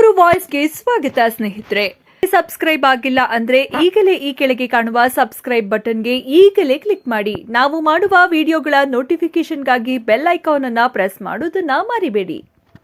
ನಮ್ಮೂರು ವಾಯ್ಸ್ಗೆ ಸ್ವಾಗತ ಸ್ನೇಹಿತರೆ. ಸಬ್ಸ್ಕ್ರೈಬ್ ಆಗಿಲ್ಲ ಅಂದ್ರೆ ಈಗಲೇ ಈ ಕೆಳಗೆ ಕಾಣುವ ಸಬ್ಸ್ಕ್ರೈಬ್ ಬಟನ್ಗೆ ಈಗಲೇ ಕ್ಲಿಕ್ ಮಾಡಿ. ನಾವು ಮಾಡುವ ವಿಡಿಯೋಗಳ ನೋಟಿಫಿಕೇಶನ್ಗಾಗಿ ಬೆಲ್ ಐಕಾನ್ ಅನ್ನು ಪ್ರೆಸ್ ಮಾಡೋದನ್ನ ಮರಿಬೇಡಿ.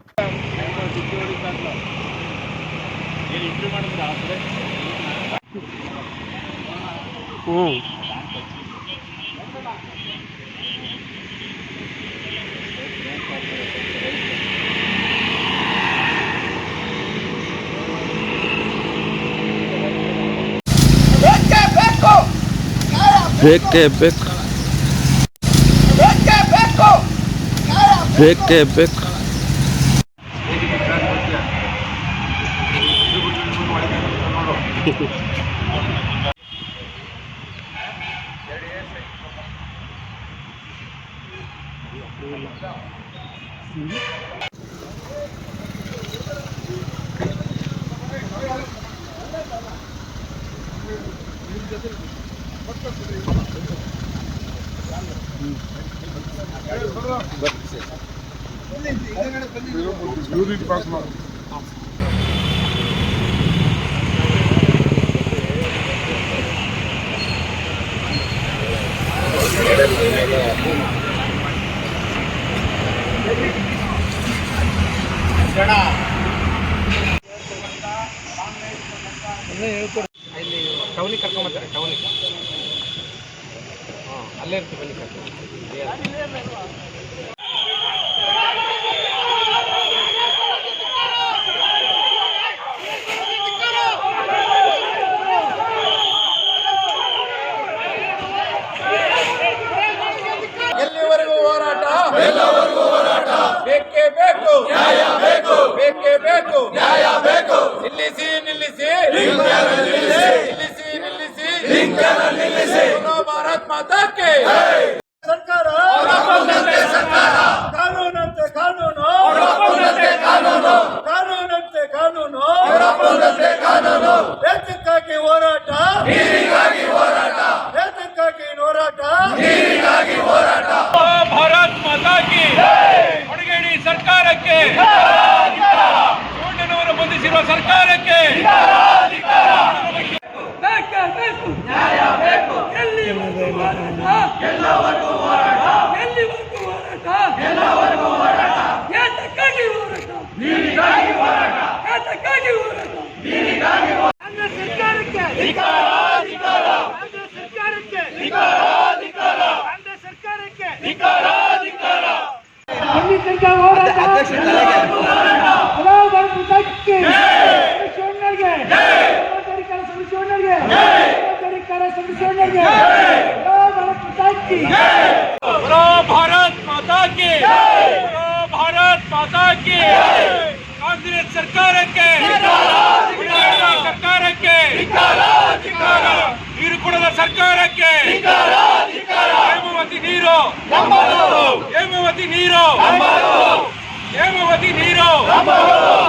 ಬೇಕೇ ಬೇಕು. ಇಲ್ಲಿ ಟೌನಿಗೆ ಕರ್ಕೊಂಬರ್ತಾರೆ. ಟೌನಿಗೆ ಅಲ್ಲೇ ಇರ್ತೀವಿ. ಬನ್ನಿ ಎಲ್ಲಿವರೆಗೂ ಹೋರಾಟ? ಬೇಕೇ ಬೇಕು ನ್ಯಾಯ ಬೇಕು. ಬೇಕೇ ಬೇಕು ನ್ಯಾಯ ಬೇಕು. ನಿಲ್ಲಿಸಿ ನಿಲ್ಲಿಸಿ ಭಾರತ್ ಮಾತಾ ಕೆ ಸರ್ಕಾರ. ಕಾನೂನಂತೆ ಕಾನೂನು, ಕಾನೂನಂತೆ ಕಾನೂನು. ದೇಶಕ್ಕಾಗಿ ಹೋರಾಟ, ದೇಶಕ್ಕಾಗಿ ಹೋರಾಟ. ಭಾರತ್ ಮಾತಾ ಕಿ ಹೊರಗೇಡಿ ಸರ್ಕಾರಕ್ಕೆ, ಚೋಟನವರು ಬಂಧಿಸಿರುವ ಸರ್ಕಾರಕ್ಕೆ ನ್ಯಾಯ ಬೇಕು. ಎಲ್ಲಿವರೆಗೂ ಹೋರಾಟ. ಯಾತಕ್ಕಾಗಿ ಹೋರಾಟ? ಕಾಂಗ್ರೆಸ್ ಸರ್ಕಾರಕ್ಕೆ भारत माता की, भारत माता की. ಕಾಂಗ್ರೆಸ್ ಸರ್ಕಾರಕ್ಕೆ, ನೀರು ಕೊಡದ ಸರ್ಕಾರಕ್ಕೆ, ಹೇಮಾವತಿ ನೀರು